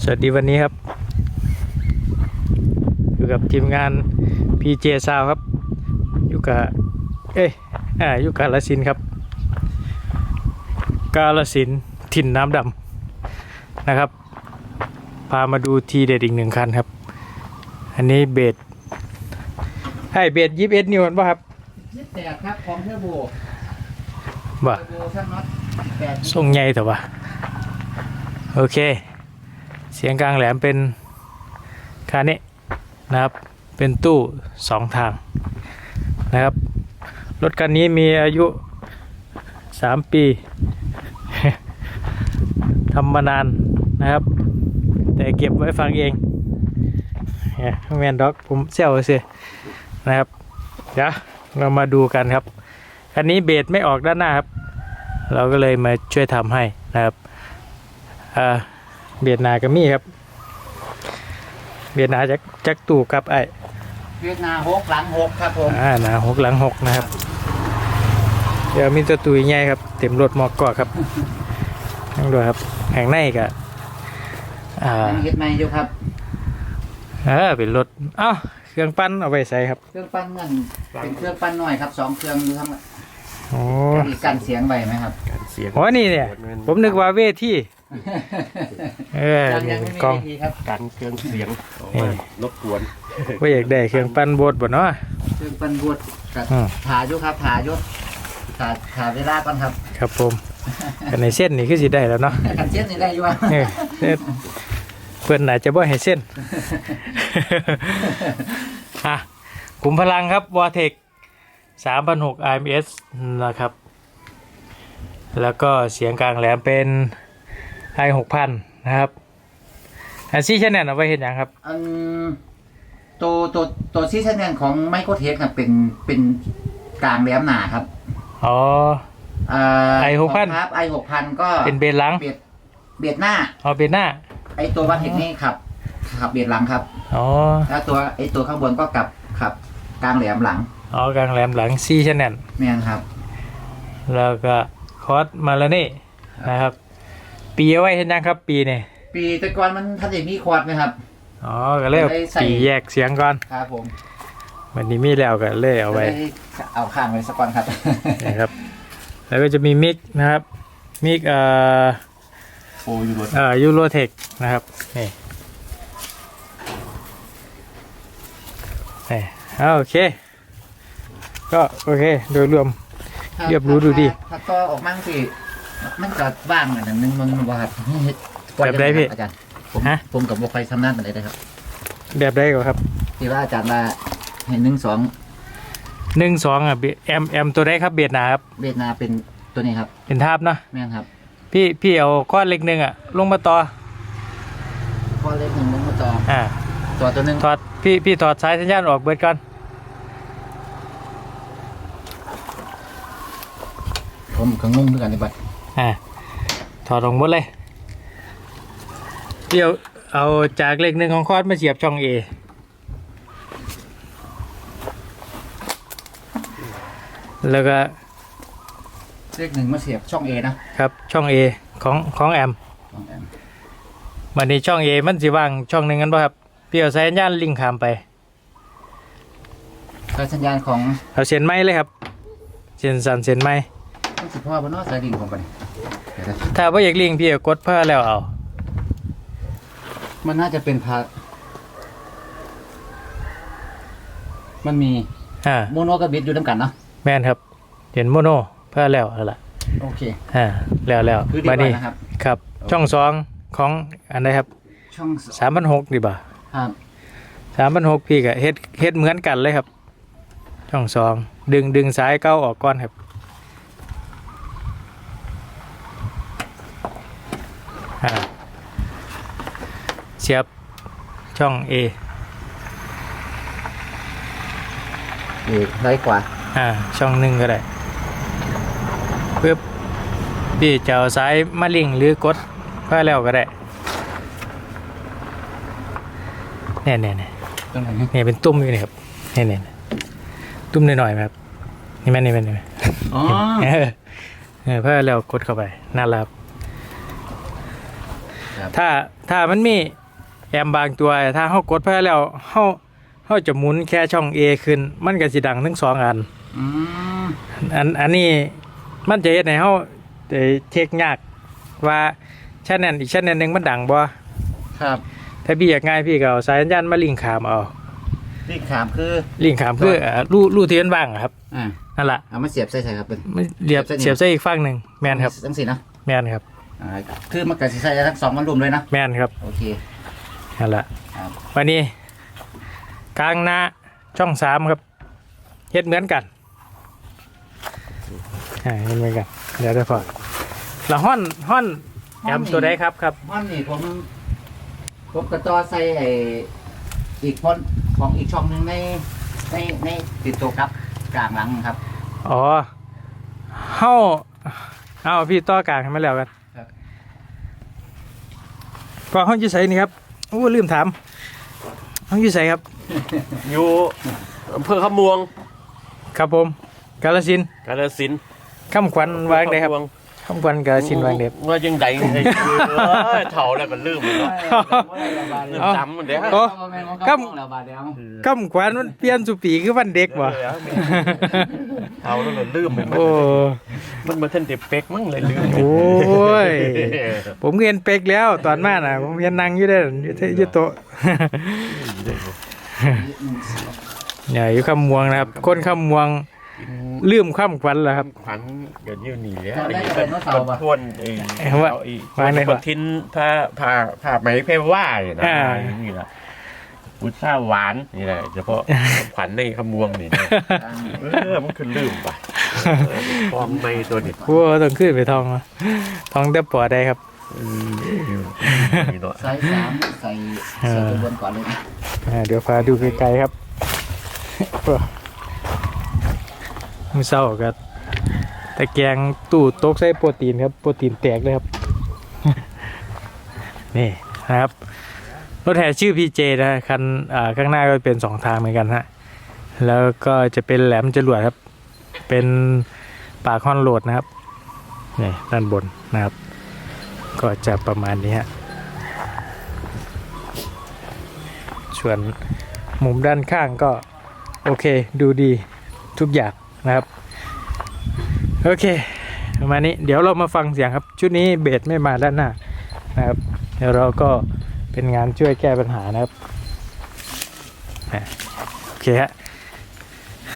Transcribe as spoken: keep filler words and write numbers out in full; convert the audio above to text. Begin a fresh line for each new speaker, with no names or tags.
วัสดีวันนี้ครับอยู่กับทีมงาน พี เจ Sound ครับอยู่กับเอ้ยอ่าอยู่กาฬสินธุ์ครับกาฬสินธุ์ถิ่นน้ำดำนะครับพามาดูทีเด็ดอีกหนึ่งคันครับอันนี้เบสให้เบสยี่สิบเอ็ดนิ้วป่ะครับ
ยี่สิบแปดครับของเทอร์โบ
บ่
เทอร์โบช่างน็อตแปด
ทรงใหญ่แต่ว่าโอเคเสียงกลางแหลมเป็นคันนี้นะครับเป็นตู้สองทางนะครับรถคันนี้มีอายุสามปี ทำมานานนะครับแต่เก็บไว้ฟังเองเนี่ยแมนด็อกผมเซลสินะครับเดี๋ยวเรามาดูกันครับคันนี้เบสไม่ออกด้านหน้าครับเราก็เลยมาช่วยทำให้นะครับอ่าเบียดนากับมี่ครับเบียดนาจากจากตู่กับไอ
เวียดนามหกหลังหกครับผม
อ่านาหกหลังหกนะครับเดี๋ยวมีตัวตุยใหญ่ครับเต็มรถมอกกอครับนั่งดูครับแห่งในกับอ่า
เฮ็ดใหม่อยู่ครับ
เออเป็นรถอ้าวเครื่องปั้นเอาไปใส่ครับ
เครื่องปั้นเงินเป็นเครื่องปั้นน้อยครับสองเครื่องอยู่ทั้ง
โอ้
กันเสียงไว้ไหมครับ
กันเสียงอ๋อนี่เนี่ยผมนึกว่าเวทีเออ
กล้อง
กันเครื่องเสียงรบกวน
ว่าอยากได้เครื่องปั้นบดบ่เนาะ
เครื่องปั้นบดกับถายุครับถายุถาถาเวลาก่อนครับ
ครับผมกันในเส้นนี่คือสิได้แล้วเนาะ
กันเส้นนี่ได้อยู่ว่า
เพื่อนไหนจะบ่ให้เส้นอ่ะขุมพลังครับวอเทคสามพันหก อาร์ เอ็ม เอส นะครับแล้วก็เสียงกลางแหลมเป็นไอหกพันนะครับอันซีชแนลเอาไว้เห็นยังครับ
อันตัวตัวตัวซีชแนลของไมโครเทคครับเป็นเป็นกลางแหลมหนาครับ
อ๋อไอหกพัน
ครับไอหกพันก็
เป็นเบสหลัง
เบสเบสหน้า
อ๋อเบสหน้า
ไอตัววัดเทคนี่ครับขับเบสหลังครับ
อ๋อ
แล้วตัวไอตัวข้างบนก็กลับขับกลางแหลมหลัง
อ๋อกลางแหลมหลังซีชแนล
แม่นครับ
แล้วก็คอร์สมาแล้วนี่นะครับปีเอาไว้เห็นยังครับปีนี่
ปีแต่ก่อนมันทันอย่างนี้ควอดไหมครับ
อ๋อก็เลยปีแยกเสียงก่อน
ครับผม
วันนี้มีแล้วก็เลยเอาไว้
เอาข้างไว้สักก่อนครับ
นะครับแล้วก็จะมีมิกนะครับมิกเอ่อ
โอ้ยูโร
เอ่อยูโรเทคนะครับนี่นี่โอเคก็โอเคโดยรวมเรียบรู้ดูดี
ถ้าต่อออกมั่งสิมันจะว่างอันนึงมันว่าครับ
แบบใดพี่
อาจารย์ผมผมกับบุคคลทำนั่นอะไรได้ครับ
แบบใดก็ครับ
ที่ว่าอาจารย์มาเห็นหนึ่งสอง
หนึ่งสองอ่ะแอมแอมตัวได้ครับเบียดนาครับ
เบียดนาเป็นตัวนี้ครับ
เป็นทาบเนาะ
แม่นครับ
พี่พี่เอาก้อนเล็กหนึ่งอ่ะลงมาต่อ
ก้อนเล็กหนึ่งลงมาต่อ
อ่า
ต่อตัวหนึ่ง
ถอดพี่พี่ถอดสายสัญญาณออกเบิดก่อน
ผมก็งงด้วยกันในบัตร
อ่าถอดออกหมดเลยเดี๋ยวเอาจากเลขหนึ่งของคอร์ดมาเสียบช่อง A แล้วก็
เลขหนึ่งมาเสียบช่อง A
นะครับช่อง A ของของแอมวันนี้ช่อง A มันสิว่างช่องหนึ่งกันป่ะครับพี่เอาสายสัญญาณลิงก์ข้ามไป
สายสัญญาณของ
เอาเส้นไม้เลยครับเส้นสันเส้นไม้
ต้องสิพ่อบนนอกสายลิงของมัน
ถ้าว่าอยากลิงพี่กดเพื่อแล้วเอา
มันน่าจะเป็นพามันมี
อ่า
โมโนกับบิดอยู่ด้วยกันเนาะ
แม่นครับเห็นโมโนเพื่อแล้วอะไร
โอเค
อ่าแล้วแล้ว
มา
นี่ครับช่องสองของอันไหนครับ
ช่อง
สามพันหกดีบ่า
ครับ
สามพันหกพี่กับเฮ็ดเฮ็ดเหมือนกันเลยครับช่องสองดึงดึงสายเก้าออกก่อนครับอ่าเสียบช่อง A
เอร้อยกว่า
อ่าช่องหนึ่งก็ได้เพื่อพี่จะเอาสายมาลิงหรือกดเพื่อแล้วก็ได้เนี่ยเนี่ยเนี่ยเนี่ยเป็นตุ้มอยู่นี่ครับเนี่ยเนี่ยตุ้มหน่อยๆครับนี่แม่นี่แม่นี่แม่
อ๋อ
เออเพื่อแล้วกดเข้าไปน่ารัก
ครับ
ถ้าถ้ามันมีแอมบางตัวถ้าเฮากดไปแล้วเฮาเฮาจะหมุนแค่ช่อง A ขึ้นมันก็สิดังทั้งสองอัน
อืม
อันอันนี้มันจะเฮ็ดให้เฮาได้เช็คยากว่าชั้นนั้นอีกชั้นนึงมันดังบ่
ครับ
ถ้าพี่อยากง่ายพี่ก็เอาสายสัญญาณมาลิงก์ขามเอา
นี่ขามคือ
ลิงก์ขามคืออ่ารูรูที่มันว่างอะครับ
อ่า
นั่นล่ะ
เอามาเสียบใส่ใส่ครับเป็น
มันเรียบเสียบใส่อีกฝั่งหนึงแม่นครับ
ทั้งสี่เนาะ
แม่นครับ
อ่าคือมันเกิดสิใส่ได้ทั้งสองมันรวมเลยนะ
แม่นครับ
โอเค
นั่นล่ะ
ครับ
วันนี้กลางหน้าช่องสามครับเฮ็ดเหมือนกันอ่าเฮ็ดเหมือนกันเดี๋ยวได้พอแล้วฮ้อนฮ้อนแอมตัวใดครับครับ
มันนี่ผมผมกระต่อใส่ไอ้อีกพอนของอีกช่องหนึ่งในในในติดตัวครับกลางหลังครับ
อ๋อเฮาเอาพี่ต่อกลางให้มาแล้วกัน
ครับ
พอห้องอยู่ไสนี่ครับโอ้ลืมถามห้องอยู่ไสครับ
อยู่อำเภอขะมวง
ครับผมกาฬสินธุ์
กาฬสินธุ์
คำขวัญวางได้ครับคำขวัญกาฬสินธุ์วางเด็บ
ว่ายังไงไอ้เออเฒ่าแล้วก็ลืมเลยเนาะลืมจำมันเด้อ
โอ้
ค
ครั
รับ บแล้วบาดเดียว
คำขวัญมันเปลี่ยนสุปีคือวันเด็กบ่
เฒ่าแล้วก็ลืมไปหมด
โอ้
มันมาเท่นเด็กเป็กมั้งเลยลืม
โอ้ย ผมเรียนเป็กแล้วตอนมาน่ะ ผมเรียนนั่งอยู่ได้ออยู่ที่อยู่โต๊ะ เนี่ยอยู่คำม่วงนะครับ คนคำม่วงลืมคำขวัญแล้วครับ
ขวัญเดี๋ยวนี้หนีแล้ว
จำได้
ไอ้
แต่เมื่อเสาร์ปะ
ทวนไอ้
เอ้ยว่า
ไอ้
ว่าไงวะ
คนทิ้นผ้าผ้าผ้าไหมเพรว่าเนี่ยนะ
อ่า
นี่แหละพุทราหวานนี่แหละเฉพาะขวัญในขมวงนี่นะเออมันคือลืมไปเออฟองในตัวนี้
โอ้ต้องขึ้นไปทองมาทองแต่ปอได้ครับ
เออนี่เนาะ
ใส่สามใส่ใส่ตัวบนก่อนเลยนะ
อ่าเดี๋ยวพาดูไกลๆครับ มือเศร้ากับตะแกรงตู้โต๊ะใส่โปรตีนครับ โปรตีนแตกเลยครับ นี่นะครับ รถแห่ชื่อ พี เจ นะคันอ่าข้างหน้าก็เป็นสองทางเหมือนกันฮะ แล้วก็จะเป็นแหลมจรวดครับ เป็นปากฮอนโหลดนะครับ นี่ด้านบนนะครับ ก็จะประมาณนี้ฮะ ส่วนมุมด้านข้างก็โอเคดูดีทุกอย่างนะครับ โอเคประมาณนี้เดี๋ยวเรามาฟังเสียงครับ ชุดนี้เบสไม่มาด้านหน้านะครับ เดี๋ยวเราก็เป็นงานช่วยแก้ปัญหานะครับอ่ะโอเคฮะ